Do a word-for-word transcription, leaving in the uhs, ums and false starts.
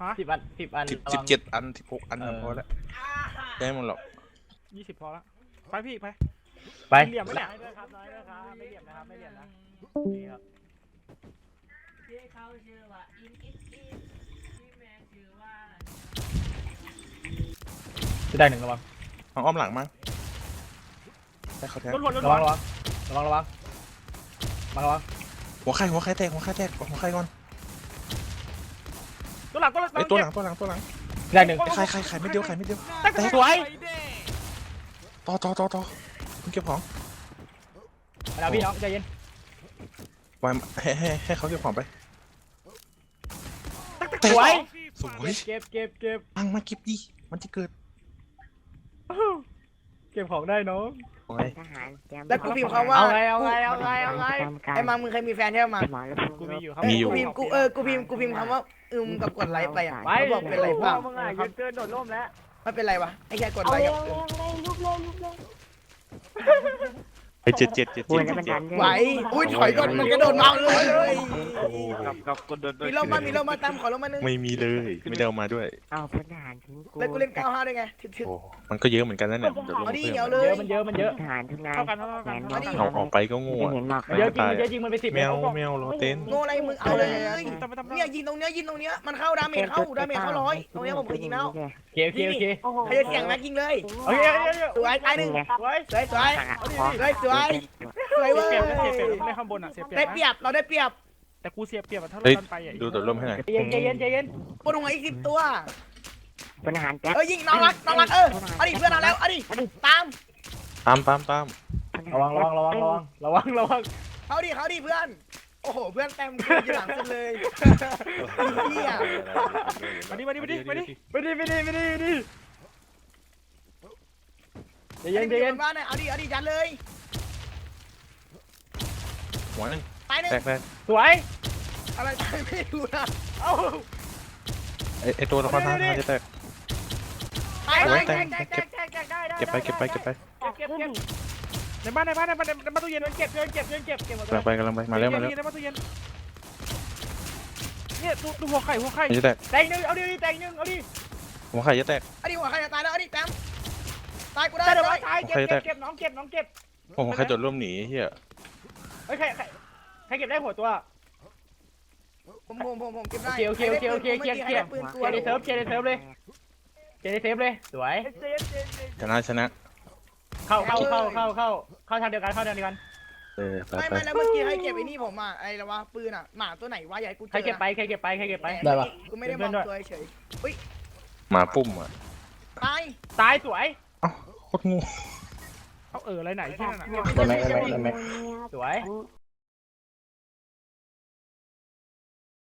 ฮะสิบอันสิบอันสิบระสิวับงเจ็ดอันสิบหกอันเออพอแล้วได้หมดหรอกยี่สิบพอละไปพี่ไปไปเหลี่ยมไหมเนี่ยน้อยด้วยครับน้อยด้วยครับไม่เหลี่ยมนะครับไม่เหลี่ยมนะนี่ครับที่เขาชื่อว่าอินอินอินที่แม่ชื่อว่าจะได้หนึ่งระวังเอาอ้อมหลังมั้งได้เขาแทงรถวนรถระววังนระวังระวังระวังมาระวังหัวไข่หัวไข่แตกหัวไข่แตกหัวไข่ก่อนตัวหลังตัวหลังไอ้ตัวหลังตัวหลังตัวหลังได้หนึ่งไข่ไข่ไข่ไม่เดียวไข่ไม่เดียวแต่แตกสวยต่อต่อต่อต่อคุณเก็บของมาแล้วพี่น้องใจเย็นวางให้ให้ให้เขาเก็บของไปสวยสวยเก็บเก็บเก็บปังมาเก็บดิมันจะเกิดเก็บของได้น้องโอ้ยทหารเตรียมแล้วกูพิมพ์เขาว่าเอาไงเอาไงเอาไงเอาไงไอ้มังมึงเคยมีแฟนใช่ไหมมังหมอแล้วกูมีอยู่ครับกูพิมพ์กูเออกูพิมพ์กูพิมพ์คำว่าอึมกับกดไลค์ไปอ่ะไปเขาบอกเป็นไรเปล่ามึงอ่ะยืนเกินโดดร่มแล้วไม่เป็นไรวะไอ้แค่กดไลค์อะไอ้เจ็ดเจ็ดเจ็ดป่เจ็วยดแล้วมันเจ็ดัดนด้วยไหวอุ้ยถอยก่อนมันกระโดดมาเลยเลยกับกับกดโดนมีร่มมามีร่มมาตามขอร่มมานึงไม่มีเลยไม่ได้เอามาด้วยเอาพลทหารทิ้งกูแล้วกูเล่นเก้าห้าด้วยไงถึกถึกโอ้มันก็เยอะเหมือนกันนั่นแหละเดี๋ยวลงเอาดิเพิ่มเอาเลเยยอะมันเยอะมันเยอะทหารทุกนายเท่ากันเท่ากันแขนเท่าบกัอน กเอาออกไปก็โง่ไม่เห็นหมอกมันเยอะจริงมันเยอะจริงมันไปสิบแมวแมวโรเต้นโง่อะไรมึงเอาเลยทำไปทำไปเนี่ยยิงตรงเนี้ยยิงตรงเนี้ยมันเข้าดาเมจเข้าดาเมจเข้าร้อยตรงเนี้ยผมเคยยิงแล้วโอเคโอเคโอเคใครจะเสี่ยงแม็กยิงเลยโอเคโอเคโอเคสวยตายหนึ่งสวยสวยสวยสวยสวยสวยเว้ยเสียเปรียบเสียเปรียบไม่ข้างบนอ่ะเสียเปรียบได้เปรียบเราได้เปรียบแต่กูเสียเปรียบถ้าเราเฮ้ยดันไปอ่ะดูตัวร่มให้หน่อยใจเย็นใจเย็นใจเย็นปนหัวอีกสิบตัวพลทหารแจ๊คเอ้ยยิงน้องรักน้องรักเออเอาดิเพื่อนเอาแล้วเอาดิตามตามตามตามระวังระวังระวังระวังระวังระวังเขาดิเขาดิเพื่อน โอ้โหเพื่อนเต็มทีมอยู่หลังสุดเลยเฮียมาดิมาดิมาดิมาดิไม่ดีไม่ดีไม่ดีไม่ดีใจเย็เย็นนใจเย็นบ้านเนี่ยเอาดิเอาดิยันเลยหัวหนึ่งตายหนึ่งแตกแตกสวยอะไรตายไม่รู้นะเอ้าไอ้ไอ้ตัวละครท้าทายจะแตกตายโอ้ตาย ยแตตายกตายเก็บแตกแตกได้ได้เก็บไปเก็บไปเก็บไปเก็บเก็บในบ้านในบ้านในบ้านในบ้านตู้เย็นเก็บเก็บเก็บเก็บเก็บเก็บหมดกำลังไปกำลังไปมาแล้วมาแล้วในบ้านตู้เย็นเนี่ยดูดูหัวไข่หัวไข่จะแตกแตงหนึ่งเอาดิแตงหนึ่งเอาดิหัวไข่จะแตกเอาดิหัวใครจะตายแล้วเอาดิแต้มตายกูได้ได้เดี๋ยวเลมาย ตายเก็บเก็บเก็บน้องเก็บน้องเก็บโอ้โหใครโดดร่มหนีเฮียเฮ้ยใครใครใครเก็บได้หัวตัวผมผมผมผมเก็บได้โอเคโอเคโอเคโอเคใครได้ปืนเคตัลีวยร์ในเซิร์ฟเคลียร์ในเซิร์ฟเลยเคลียร์ในเซิร์ฟเลยสวยชนะชนะเข้าเข้าเข้าเข้าเข้าเข้าทางเดียวกันเข้าทางเดียวกันเออไปไม่ไปไม่แล้วเมื่อกี้ให้เก็บไอ้นี่ผมอ่ะไอ้ละวะปืนอ่ะหมาตัวไหนวะใหญ่กูเจอใครเก็บไปใครเก็บไปใครเก็บไปได้ปะกูไม่ได้บอกตัวเฉยหมาปุ่มอ่ะตายตายสวยเอ้าโคตรงูเขาเอออะไรไหนที่นั่นอ่ะสวย